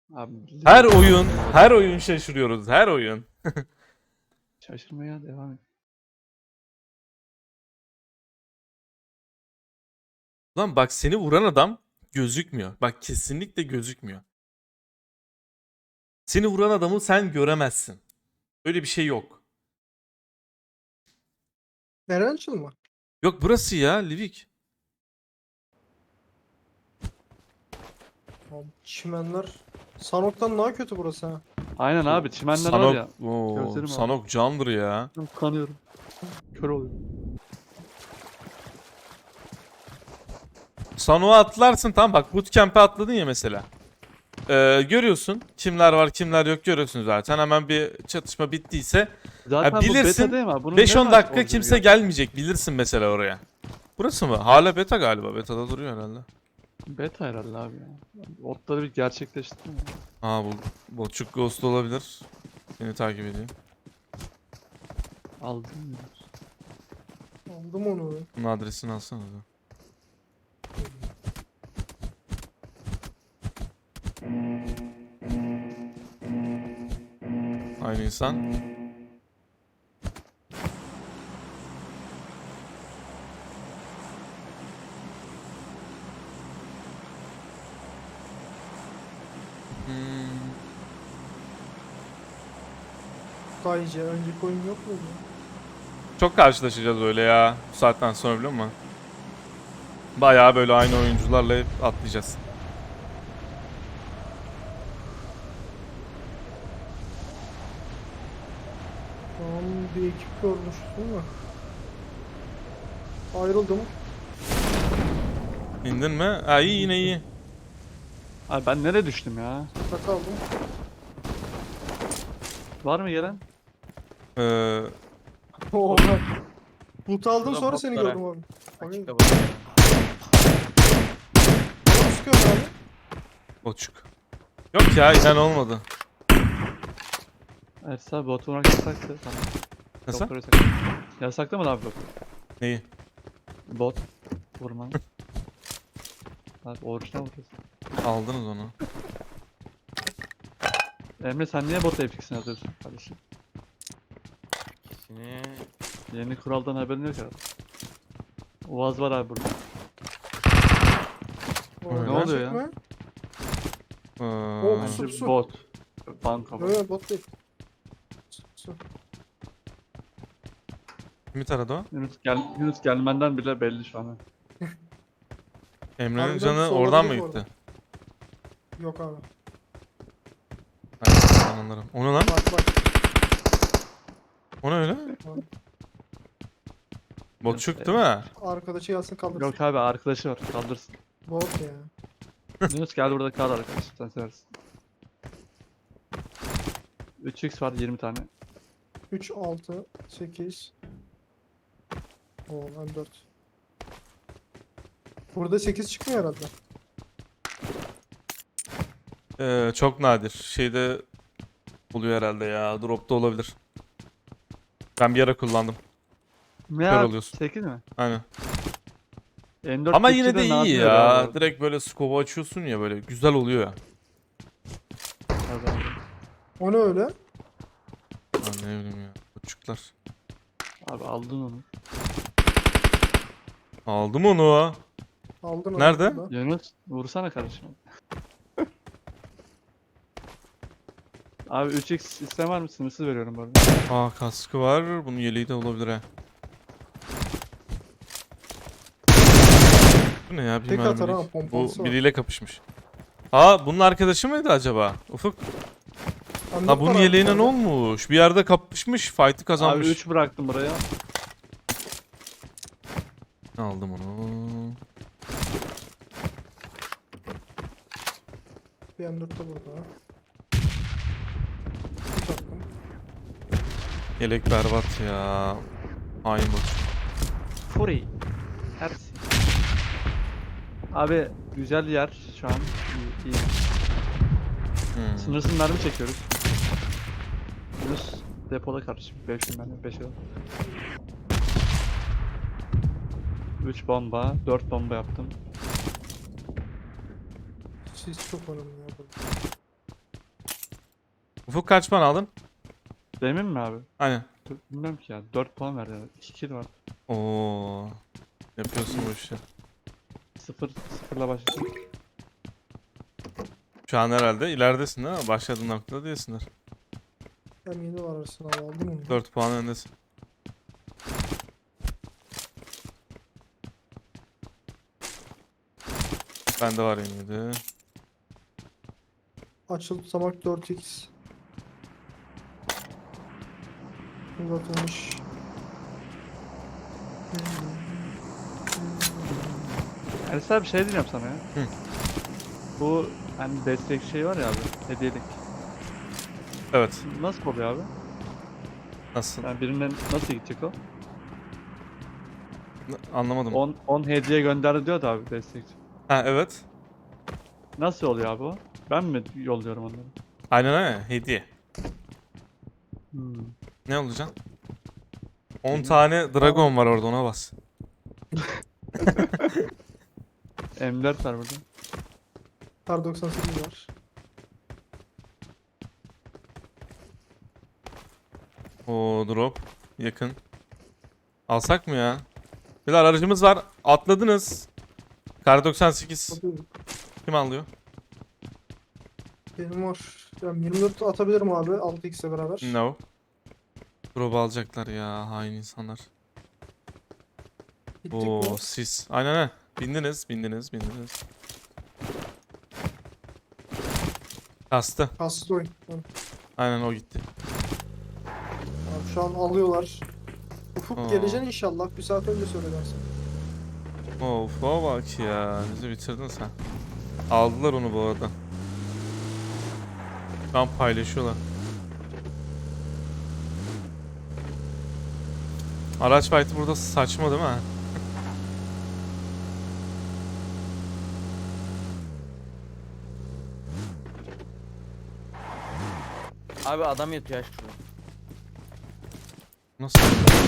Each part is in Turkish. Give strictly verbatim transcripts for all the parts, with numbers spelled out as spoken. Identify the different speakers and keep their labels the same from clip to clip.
Speaker 1: Abi,
Speaker 2: Her oyun, her oyun şaşırıyoruz. Her oyun.
Speaker 1: şaşırmaya devam et.
Speaker 2: Lan bak seni vuran adam gözükmüyor. Bak kesinlikle gözükmüyor. Seni vuran adamı sen göremezsin. Öyle bir şey yok.
Speaker 3: Nereden açılma?
Speaker 2: Yok burası ya Livik.
Speaker 3: Abi, çimenler. Sanok'tan daha kötü burası ha.
Speaker 1: Aynen abi çimenler var
Speaker 2: Sanok,
Speaker 1: ya.
Speaker 2: Oo,
Speaker 1: Gözlerim
Speaker 2: Sanok candır ya.
Speaker 1: Kanıyorum. Kör oluyorum.
Speaker 2: Sanok'a atlarsın tamam bak bootcamp'e atladın ya mesela. Ee, görüyorsun kimler var kimler yok görüyorsun zaten. Hemen bir çatışma bittiyse
Speaker 1: Zaten
Speaker 2: Ha,
Speaker 1: bu
Speaker 2: bilirsin,
Speaker 1: beta değil mi abi? Bunun
Speaker 2: beş
Speaker 1: ne
Speaker 2: on
Speaker 1: var
Speaker 2: dakika
Speaker 1: orijinali
Speaker 2: kimse
Speaker 1: ya?
Speaker 2: gelmeyecek bilirsin mesela oraya. Burası mı? Hala beta galiba. Beta'da duruyor herhalde.
Speaker 1: Beta herhalde abi ya. Otları bir gerçekleşti mi?
Speaker 2: Aa bu Botçuk Ghost olabilir. Beni takip ediyor.
Speaker 1: Aldım mı?
Speaker 3: Aldım onu.
Speaker 2: Bunun adresini alsana da. Aynı insan. Hmm.
Speaker 3: Daha iyice. Önceki oyun yok muydu?
Speaker 2: Çok karşılaşacağız öyle ya. Bu saatten sonra biliyor musun? Bayağı böyle aynı oyuncularla hep atlayacağız.
Speaker 3: Tamam bir ekip görmüş değil mi? Ayrıldım.
Speaker 2: İndin mi? Ha iyi yine iyi.
Speaker 1: Abi ben nereye düştüm ya?
Speaker 3: Burada kaldım.
Speaker 1: Var mı gelen?
Speaker 2: Ee,
Speaker 3: Oha. Loot aldım
Speaker 4: Şurada
Speaker 3: sonra seni
Speaker 4: botlara.
Speaker 3: gördüm abi. Hani
Speaker 4: Açıkta bak.
Speaker 3: bana sıkıyorsun abi.
Speaker 2: Botçuk. Yok ya inen olmadı.
Speaker 1: Evet abi bot vurmak yasaktı. Tamam.
Speaker 2: Nasıl?
Speaker 1: Doktor yasak. Yasaktı mı abi bot?
Speaker 2: Neyi?
Speaker 1: Bot vurman. Abi orijinal vuruyorsun.
Speaker 2: Aldınız onu.
Speaker 1: Emre sen niye bota epiksin yazıyorsun kardeşim?
Speaker 4: İkisini
Speaker 1: Yeni kuraldan haberin yok herhalde. Uaz var abi burada.
Speaker 3: O
Speaker 2: Ne
Speaker 3: gerçek
Speaker 1: oluyor ya?
Speaker 3: mi?
Speaker 2: Ee,
Speaker 3: O,
Speaker 1: Bence
Speaker 3: Sup, sup.
Speaker 1: bot. Banka bot.
Speaker 3: Yok bot değil. Su.
Speaker 2: kimi taradı o?
Speaker 1: Yunus, gel, Yunus gelmenden bile belli şu an.
Speaker 2: Emre'nin
Speaker 3: Harbiden
Speaker 2: canı
Speaker 3: sol
Speaker 2: oradan mı
Speaker 3: olabilir bu
Speaker 2: gitti?
Speaker 3: arada. Yok abi.
Speaker 2: Hayır ben anlarım. O ne lan?
Speaker 3: Bak bak.
Speaker 2: O ne öyle?
Speaker 3: Bak.
Speaker 2: Botçuk değil mi?
Speaker 3: Arkadaşı yazsın kaldırsın.
Speaker 1: Yok abi arkadaşı var kaldırsın.
Speaker 3: Bot ya.
Speaker 1: Yunus gel burada kal arkadaş sen seversin. üç x var yirmi tane.
Speaker 3: üç, altı, sekiz. Oo M dört. Burada sekiz çıkmıyor herhalde.
Speaker 2: Ee, çok nadir. Şeyde buluyor herhalde ya. Drop'ta olabilir. Ben bir ara kullandım.
Speaker 1: Ne
Speaker 2: Kör
Speaker 1: abi?
Speaker 2: oluyorsun.
Speaker 1: sekiz mi?
Speaker 2: Aynen.
Speaker 1: M dört
Speaker 2: Ama yine de
Speaker 1: Türkçe'de
Speaker 2: iyi
Speaker 1: nadir
Speaker 2: ya.
Speaker 1: abi.
Speaker 2: Direkt böyle scope'u açıyorsun ya böyle. Güzel oluyor ya.
Speaker 1: Tabii abi.
Speaker 3: O ne öyle?
Speaker 2: Lan ne bileyim ya. Botçuklar.
Speaker 1: Abi aldın onu.
Speaker 2: Aldım onu.
Speaker 3: Aldın onu
Speaker 2: Nerede?
Speaker 3: burada.
Speaker 1: Yunus vursana kardeşim. Abi üç x isteyen var mı? Sınırsız veriyorum bu arada.
Speaker 2: Aa kaskı var. Bunun yeleği de olabilir ha. Bu ne ya? Bir
Speaker 3: Tek atar
Speaker 2: mermilik.
Speaker 3: ha,
Speaker 2: Bu
Speaker 3: pompalısı var.
Speaker 2: biriyle kapışmış. Aa bunun arkadaşı mıydı acaba? Ufuk.
Speaker 3: M dört
Speaker 2: Ha bunun
Speaker 3: var abi
Speaker 2: yeleğine
Speaker 3: bir
Speaker 2: ne
Speaker 3: tane.
Speaker 2: olmuş? Bir yerde kapışmış. Fight'ı kazanmış.
Speaker 1: Abi üç bıraktım buraya.
Speaker 2: Aldım onu.
Speaker 3: Bir M dört de burada. Üç attım.
Speaker 2: Yelek berbat ya. Hain bot.
Speaker 1: Fury. Ersin. Abi güzel yer şu an. İyi, iyi.
Speaker 2: Hmm.
Speaker 1: Sınırsız mermi çekiyoruz. Yunus depoda kardeşim. beş bin mermi, beş yıl. üç bomba, dört bomba yaptım.
Speaker 3: Siz çok önemli ya burada.
Speaker 2: Ufuk kaç puan aldın?
Speaker 1: Demin mi abi?
Speaker 2: Aynen.
Speaker 1: Dur, bilmiyorum ki ya. dört puan verdi. iki kill var.
Speaker 2: Oo. Yapıyorsun bu işi.
Speaker 1: sıfır sıfırla başladım.
Speaker 2: Şu an herhalde ileridesin değil mi? Başladığın noktada değilsindir.
Speaker 3: Hem yeni var arasına aldım mı?
Speaker 2: dört puan öndesin. Bende var yine de.
Speaker 3: Açıl tutamak dört x. Uzatılmış.
Speaker 1: Enes abi bir şey diyeceğim sana ya.
Speaker 2: Hı.
Speaker 1: Bu hani destek şey var ya abi. Hediyelik.
Speaker 2: Evet.
Speaker 1: Nasıl oluyor abi?
Speaker 2: Nasıl?
Speaker 1: Yani birinden nasıl gidecek o?
Speaker 2: N- Anlamadım.
Speaker 1: on on hediye gönderdi diyor da abi destekçi.
Speaker 2: Ha evet.
Speaker 1: Nasıl oluyor abi o? Ben mi yolluyorum onları?
Speaker 2: Aynen öyle. Hediye.
Speaker 1: Hmm.
Speaker 2: Ne olacak? on tane dragon var orada, ona bas.
Speaker 1: M dört var burada.
Speaker 3: Kar doksan sekiz var.
Speaker 2: O drop. Yakın. Alsak mı ya? Bir de aracımız var. Atladınız. Kar doksan sekiz.
Speaker 3: Hadi.
Speaker 2: Kim alıyor?
Speaker 3: Benim var. Yani yirmi dört atabilirim abi altı x'e beraber.
Speaker 2: No. Drop alacaklar ya, hain insanlar.
Speaker 3: Gittik mi?
Speaker 2: Oo sis. Aynen aynen. Bindiniz, bindiniz, bindiniz. Kastı.
Speaker 3: Kastı oyun. Yani
Speaker 2: Aynen o gitti.
Speaker 3: abi şu an alıyorlar. Ufuk
Speaker 2: Aa.
Speaker 3: geleceksin inşallah. Bir saat önce söylersin.
Speaker 2: Of o bak ya. Bizi bitirdin sen. Aldılar onu bu arada. Şu an paylaşıyorlar. Araç fight'ı burada saçma değil mi?
Speaker 4: Abi adam yatıyor aşk şurada.
Speaker 2: Nasıl?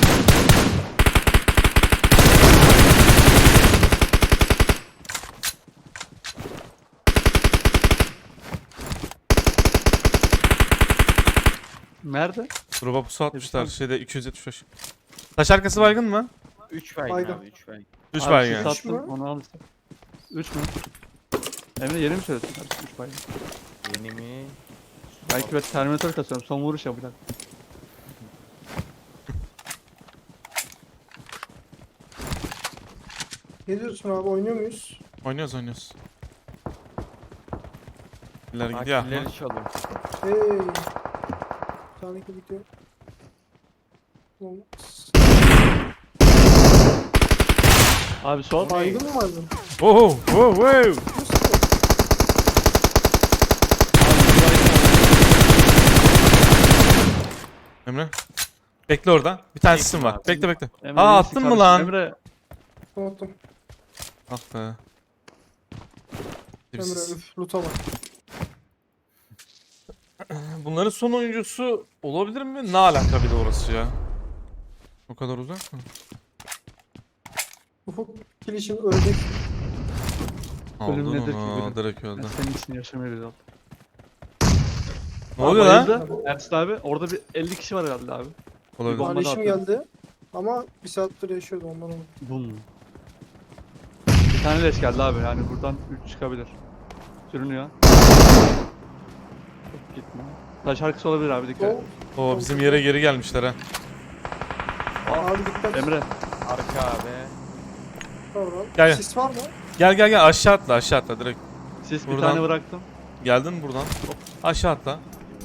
Speaker 1: Nerede?
Speaker 2: Drop'a pusu atmışlar. Şeyde iki yüz yetmiş beş. Taş arkası baygın mı?
Speaker 4: üç baygın
Speaker 3: Baygın.
Speaker 4: abi üç baygın.
Speaker 2: üç
Speaker 1: Abi
Speaker 2: baygın
Speaker 1: sis
Speaker 2: yani.
Speaker 3: Üç mü?
Speaker 1: attım, onu al işte. üç mü? Emre yeni mi söyledin? üç baygın.
Speaker 4: Yeni mi?
Speaker 1: Belki ben Terminator kasıyorum. Son vuruş yapacak.
Speaker 3: Ne diyorsun abi oynuyor muyuz?
Speaker 2: Oynuyoruz oynuyoruz. İleri
Speaker 4: Bak
Speaker 2: gidiyor.
Speaker 4: killeri çalıyor.
Speaker 3: Hey. Bir tane kill bitiyor. Oğlum,
Speaker 1: Abi sol.
Speaker 3: baygın mı vardı?
Speaker 2: Oh, oh, wow. Emre. Bekle orada. Bir tane sisim var.
Speaker 4: abi.
Speaker 2: Bekle bekle.
Speaker 1: Emre
Speaker 2: Aa
Speaker 1: neyse
Speaker 2: attın mı
Speaker 1: kardeşim.
Speaker 2: lan?
Speaker 1: Emre
Speaker 3: Unuttum.
Speaker 2: Ah be.
Speaker 3: Emre
Speaker 2: Sis.
Speaker 3: üf loot'a bak.
Speaker 2: Bunların son oyuncusu olabilir mi? Ne alaka bir de orası ya? O kadar uzak mı?
Speaker 3: Ufuk kill için ölecek.
Speaker 2: Aldın
Speaker 1: Ölüm nedir ki
Speaker 2: onu.
Speaker 1: ölüm?
Speaker 2: Direkt
Speaker 1: ben
Speaker 2: öldü.
Speaker 1: senin için yaşamayı biliyorum.
Speaker 2: Ne oluyor lan?
Speaker 1: Bayıldı. Ersin abi orada bir elli kişi var herhalde abi.
Speaker 2: Olabilir.
Speaker 1: Bomba da
Speaker 3: Paylaşım
Speaker 1: atıyor.
Speaker 3: geldi. Ama bir saattir yaşıyordu ondan oldu.
Speaker 1: Bum. Bir tane leş geldi abi yani buradan üç çıkabilir. Sürünüyor. Çok gitme. Taş arkası olabilir abi dikkat.
Speaker 3: O,
Speaker 2: Oo bizim yere geri gelmişler ha.
Speaker 3: abi dikkat.
Speaker 1: Emre
Speaker 4: Arka abi.
Speaker 3: Tamam.
Speaker 2: Gel, gel.
Speaker 3: Sis var mı?
Speaker 2: Gel gel gel aşağı atla aşağı atla direkt.
Speaker 1: sis bir
Speaker 2: Buradan-
Speaker 1: tane bıraktım.
Speaker 2: Geldin mi buradan? Hop. Aşağı atla.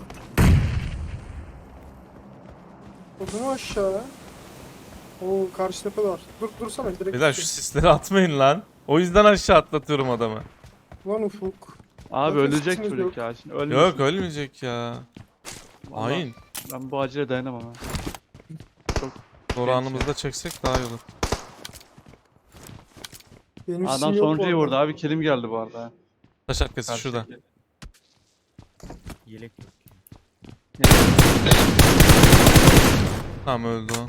Speaker 3: O zaman aşağı. Oo karşı tepe var. Dur dursana direkt.
Speaker 2: Beyler şu sisleri atmayın lan. O yüzden aşağı atlatıyorum adamı.
Speaker 3: Lan Ufuk.
Speaker 1: Abi
Speaker 3: Zaten
Speaker 1: ölecek
Speaker 3: sisimiz
Speaker 1: çocuk
Speaker 3: yok.
Speaker 1: ya şimdi ölmesin.
Speaker 2: Yok ölmeyecek ya.
Speaker 1: Vallahi
Speaker 2: Hain.
Speaker 1: Ben bu acile dayanamam ha.
Speaker 2: Doğru anımızda çeksek daha iyi olur.
Speaker 3: Benim
Speaker 1: Adam
Speaker 3: sim yok
Speaker 1: sonuncuyu
Speaker 3: bu
Speaker 1: vurdu
Speaker 3: arada.
Speaker 1: abi kilim geldi bu arada.
Speaker 2: Taş arkası
Speaker 1: Karşı
Speaker 2: şurada.
Speaker 1: tepki.
Speaker 4: Yelek yok.
Speaker 2: Tamam öldü o.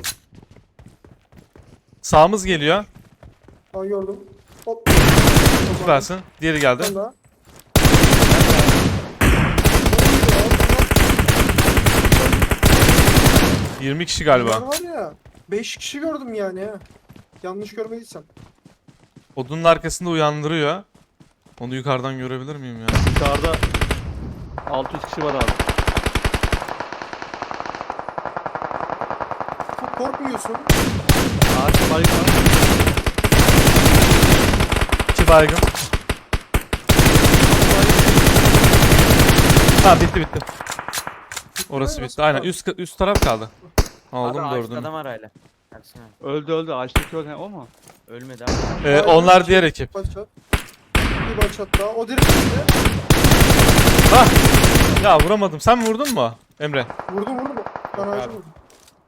Speaker 2: Sağımız geliyor.
Speaker 3: Aa gördüm. Hop.
Speaker 2: Süpersin. Diğeri geldi.
Speaker 3: Sen daha.
Speaker 2: yirmi kişi
Speaker 3: Bunlar
Speaker 2: galiba.
Speaker 3: var ya. beş kişi gördüm yani ha. Yanlış görmediysem.
Speaker 2: Odunun arkasında uyandırıyor. Onu yukarıdan görebilir miyim ya?
Speaker 1: Yukarıda altı yüz kişi var abi.
Speaker 3: Çok korkmuyorsun.
Speaker 1: Ağaç baygın var.
Speaker 2: İki baygın. Ha bitti bitti. Orası bitti. Aynen üst üst taraf kaldı.
Speaker 4: Abi
Speaker 2: Aldım
Speaker 4: ağaçta
Speaker 2: dördünü.
Speaker 4: adam var hala. Ersin abi.
Speaker 1: Öldü öldü. Ağaçtaki öldü. He, o mu?
Speaker 4: Ölmedi abi.
Speaker 2: Ee, onlar diğer ekip.
Speaker 3: Başlat. Bir başlat daha. O direkt gitti.
Speaker 2: Ha! Ya vuramadım. Sen mi vurdun mu Emre?
Speaker 3: Vurdum vurdum. Ben
Speaker 4: Yok
Speaker 3: ağacı
Speaker 4: abi.
Speaker 3: vurdum.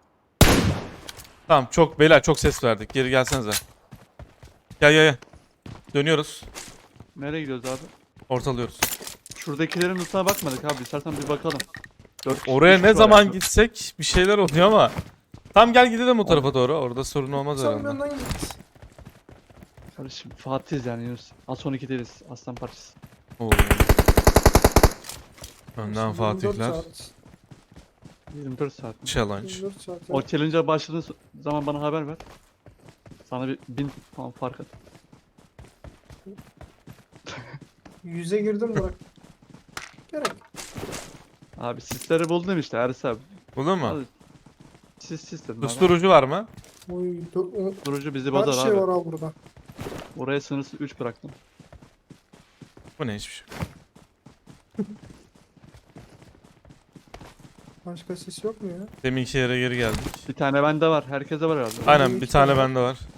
Speaker 2: Tamam çok beyler çok ses verdik. Geri gelsenize. Gel gel gel. Dönüyoruz.
Speaker 1: Nereye gidiyoruz abi?
Speaker 2: Ortalıyoruz.
Speaker 1: Şuradakilerin lootuna bakmadık abi. İstersen bir bakalım. Dört kişi,
Speaker 2: Oraya
Speaker 1: üç
Speaker 2: ne
Speaker 1: kişi var
Speaker 2: zaman
Speaker 1: yani.
Speaker 2: gitsek bir şeyler oluyor ama. Tam gel gidelim o tarafa doğru. Orada sorun olmaz
Speaker 3: Sen
Speaker 2: herhalde.
Speaker 3: benden git.
Speaker 1: Kardeşim Fatih'iz yani Yunus. Az son iki değiliz. Aslan parçası.
Speaker 2: Oo. Önden
Speaker 3: yirmi dört
Speaker 2: Fatihler.
Speaker 3: saat.
Speaker 1: yirmi dört saat.
Speaker 2: Challenge.
Speaker 3: yirmi dört saat.
Speaker 1: O challenge'a başladığın zaman bana haber ver. Sana bir bin puan fark at.
Speaker 3: Yüze girdim bırak. Gerek.
Speaker 1: Abi sisleri buldum işte Eris abi.
Speaker 2: Buldun mu?
Speaker 1: Abi, sis sis dedim abi.
Speaker 2: Susturucu var mı?
Speaker 3: Oy, dö- o-
Speaker 1: Durucu bizi
Speaker 3: her
Speaker 1: bozar
Speaker 3: şey
Speaker 1: abi.
Speaker 3: var abi burada.
Speaker 1: Oraya sınırsız üç bıraktım.
Speaker 2: Bu ne hiçbir şey.
Speaker 3: Başka ses yok mu ya?
Speaker 2: Deminki yere geri geldik.
Speaker 1: Bir tane bende var. Herkese var herhalde.
Speaker 2: Aynen
Speaker 3: iki
Speaker 2: bir tane
Speaker 3: tane var.
Speaker 2: bende var.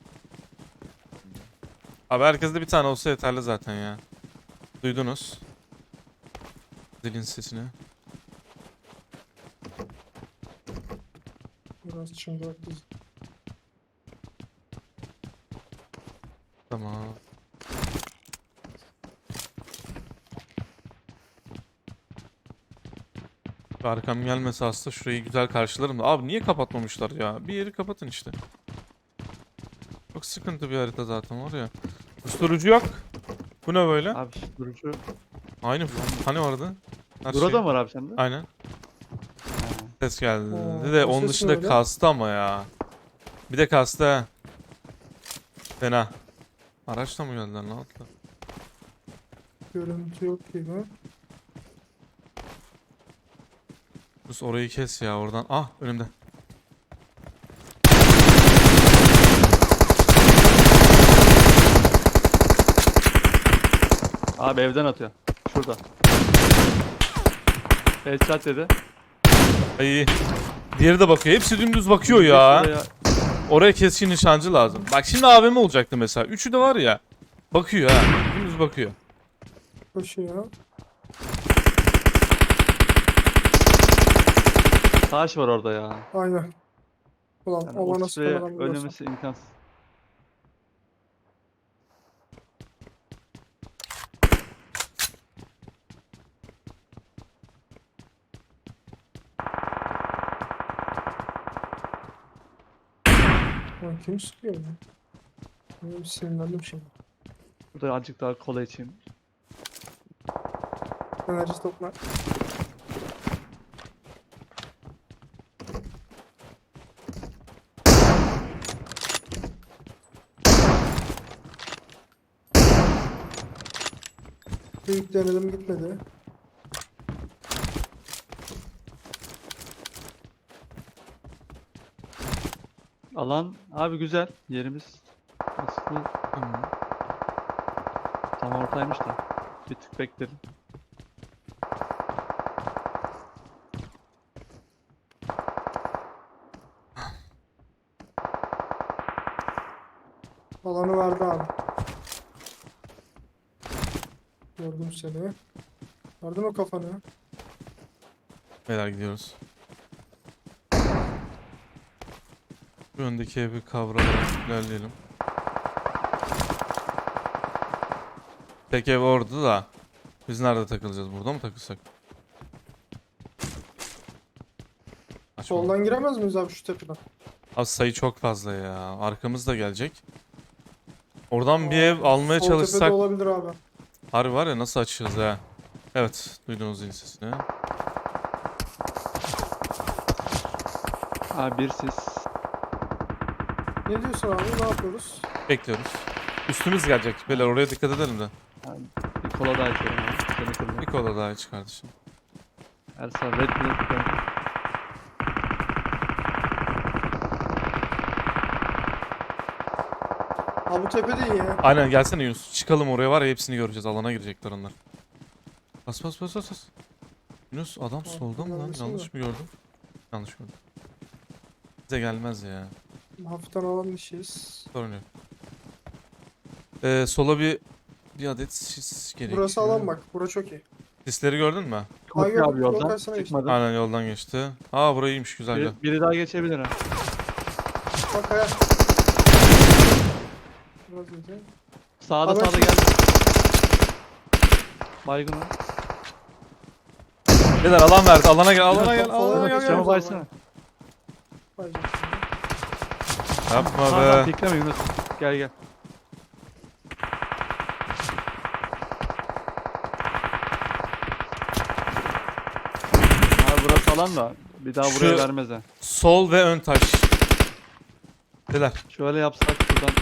Speaker 2: Abi herkeste bir tane olsa yeterli zaten ya. Duydunuz. Zilin sesini.
Speaker 3: Biraz çıngırak biz.
Speaker 2: Tamam. Şu arkam gelmese aslında şurayı güzel karşılarım da. Abi niye kapatmamışlar ya? Bir yeri kapatın işte. Çok sıkıntı bir harita zaten var ya. Susturucu yok. Bu ne böyle?
Speaker 1: Abi durucu.
Speaker 2: Aynı. Hani vardı? Her
Speaker 1: Burada
Speaker 2: şey.
Speaker 1: mı var abi sende?
Speaker 2: Aynen.
Speaker 1: Ha.
Speaker 2: Ses geldi.
Speaker 3: Oo,
Speaker 2: de
Speaker 3: o
Speaker 2: onun
Speaker 3: ses
Speaker 2: dışında
Speaker 3: ne öyle?
Speaker 2: kastı ama ya. Bir de kastı ha. Fena. Araçla mı geldiler lan atla?
Speaker 3: Görüntü yok gibi.
Speaker 2: Sus orayı kes ya oradan. Ah önümde.
Speaker 1: Abi evden atıyor. Şurada. Headshot dedi.
Speaker 2: Ay. Diğeri de bakıyor. Hepsi dümdüz bakıyor ya.
Speaker 1: Şuraya-
Speaker 2: Oraya keskin nişancı lazım. Bak şimdi A V M olacaktı mesela. Üçü de var ya. Bakıyor ha. Dümdüz bakıyor.
Speaker 3: Koşuyor.
Speaker 1: Taş var orada ya.
Speaker 3: Aynen. Ulan
Speaker 1: Yani
Speaker 3: o
Speaker 1: o
Speaker 3: bana
Speaker 1: spreye
Speaker 3: sıkılan biliyorsun.
Speaker 1: ölmemesi imkansız.
Speaker 3: Lan kim sıkıyor ya? Benim sinirlendim şimdi.
Speaker 1: Burada azıcık daha kola içeyim.
Speaker 3: Enerji topla. Büyük denedim gitmedi.
Speaker 1: Alan abi güzel. Yerimiz aslında
Speaker 2: Tamam.
Speaker 1: tam ortaymış da. Bir tık beklerim.
Speaker 3: Alanı verdi abi. Gördüm seni. Verdin o kafanı.
Speaker 2: Beyler gidiyoruz. Şu öndeki evi kavrayarak ilerleyelim. Tek ev orada da. Biz nerede takılacağız? Burada mı takılsak? Açma.
Speaker 3: Soldan giremez miyiz abi şu tepeden?
Speaker 2: Az sayı çok fazla ya. Arkamız da gelecek. Oradan bir
Speaker 3: Aa,
Speaker 2: ev almaya
Speaker 3: sol
Speaker 2: çalışsak.
Speaker 3: tepede olabilir abi.
Speaker 2: Harbi var ya nasıl açacağız ha? Evet. Duydunuz zil sesini.
Speaker 1: Ha bir sis.
Speaker 3: Ne diyorsun abi? Ne yapıyoruz?
Speaker 2: Bekliyoruz. Üstümüz gelecek. Beyler oraya dikkat edelim de.
Speaker 1: Yani bir kola daha içiyorum abi. Seni
Speaker 2: Bir
Speaker 1: kırdım.
Speaker 2: kola daha iç kardeşim.
Speaker 1: Ersan Red Bull.
Speaker 3: Ha bu tepe de iyi ya.
Speaker 2: Aynen gelsene Yunus. Çıkalım oraya var ya hepsini göreceğiz. Alana girecekler onlar. Bas bas bas bas. bas. Yunus adam solda mı lan?
Speaker 3: gelmesin
Speaker 2: Yanlış mı gördüm? Yanlış gördüm. Bize gelmez ya.
Speaker 3: Hafiften alan işiyiz.
Speaker 2: Sorun yok. Ee, sola bir bir adet sis gerekiyor.
Speaker 3: Burası alan bak. Bura çok iyi.
Speaker 2: Sisleri gördün mü?
Speaker 3: Ha,
Speaker 1: Kopya
Speaker 3: yok,
Speaker 1: abi
Speaker 3: yol
Speaker 1: yoldan.
Speaker 3: karşısına geçti.
Speaker 1: Çıkmadı.
Speaker 2: Aynen yoldan geçti. Aa burayıymış güzel güzel.
Speaker 1: Bir, biri daha geçebilir ha.
Speaker 3: Bak kaya. Biraz önce.
Speaker 1: Sağda
Speaker 3: Abi
Speaker 1: sağda
Speaker 3: şimdi-
Speaker 1: gel. Baygın o.
Speaker 2: Beyler alan verdi. Alana gel. Alana gel.
Speaker 3: Yunus,
Speaker 2: Alana
Speaker 3: falan
Speaker 2: gel.
Speaker 3: geçiyor.
Speaker 2: gel.
Speaker 1: Camı baysana.
Speaker 3: Bayacak şimdi.
Speaker 2: Yapma
Speaker 1: Sağdan
Speaker 2: be.
Speaker 1: pikleme Yunus. Gel gel. Abi burası alan da bir daha
Speaker 2: Şu-
Speaker 1: buraya vermez ha.
Speaker 2: Sol ve ön taş. Beyler.
Speaker 1: Şöyle yapsak buradan.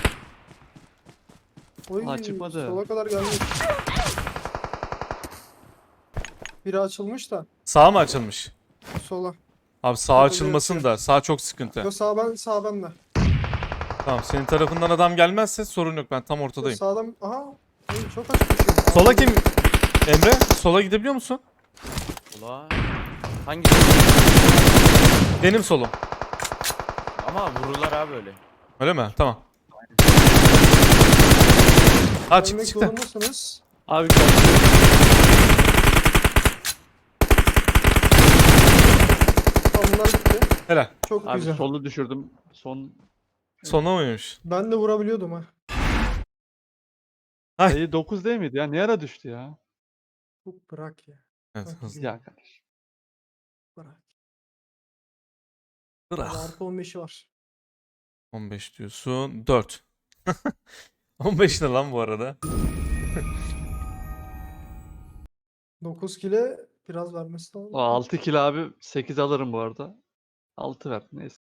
Speaker 3: Oy,
Speaker 1: Ha, çıkmadı.
Speaker 3: Sola kadar gelmiş. Biri açılmış da.
Speaker 2: Sağ mı açılmış?
Speaker 3: Sola.
Speaker 2: Abi sağ
Speaker 3: Solda
Speaker 2: açılmasın
Speaker 3: yatıyor.
Speaker 2: da. Sağ çok sıkıntı.
Speaker 3: Yo sağ ben sağ ben de.
Speaker 2: Tamam senin tarafından adam gelmezse sorun yok. Ben tam
Speaker 3: Yo,
Speaker 2: ortadayım.
Speaker 3: sağdan aha. Oy, çok açık düşüyor.
Speaker 2: Sola kim? Emre sola gidebiliyor musun?
Speaker 4: Ula. Hangi?
Speaker 2: Benim solum.
Speaker 4: Ama vururlar abi öyle.
Speaker 2: Öyle mi? Tamam. Ha çıktı
Speaker 3: Gelmek
Speaker 2: çıktı.
Speaker 3: zorundasınız.
Speaker 1: Abi gel.
Speaker 3: Tamam bunlar gitti.
Speaker 2: Helal.
Speaker 3: Çok
Speaker 1: Abi
Speaker 3: güzel.
Speaker 1: solu düşürdüm. Son
Speaker 2: Sona mıymış?
Speaker 3: Ben de vurabiliyordum ha.
Speaker 2: Ay.
Speaker 1: sayı dokuz değil miydi ya? Ne ara düştü ya?
Speaker 3: Bu bırak ya.
Speaker 2: Evet
Speaker 3: Bak,
Speaker 2: hızlı.
Speaker 1: Ya kardeş.
Speaker 3: Bırak.
Speaker 2: Bırak.
Speaker 3: Hadi artı on beşi var.
Speaker 2: on beş diyorsun. dört. on beş ne lan bu arada?
Speaker 3: dokuz kile biraz vermesi lazım.
Speaker 1: O altı kilo abi sekiz alırım bu arada. altı ver neyse.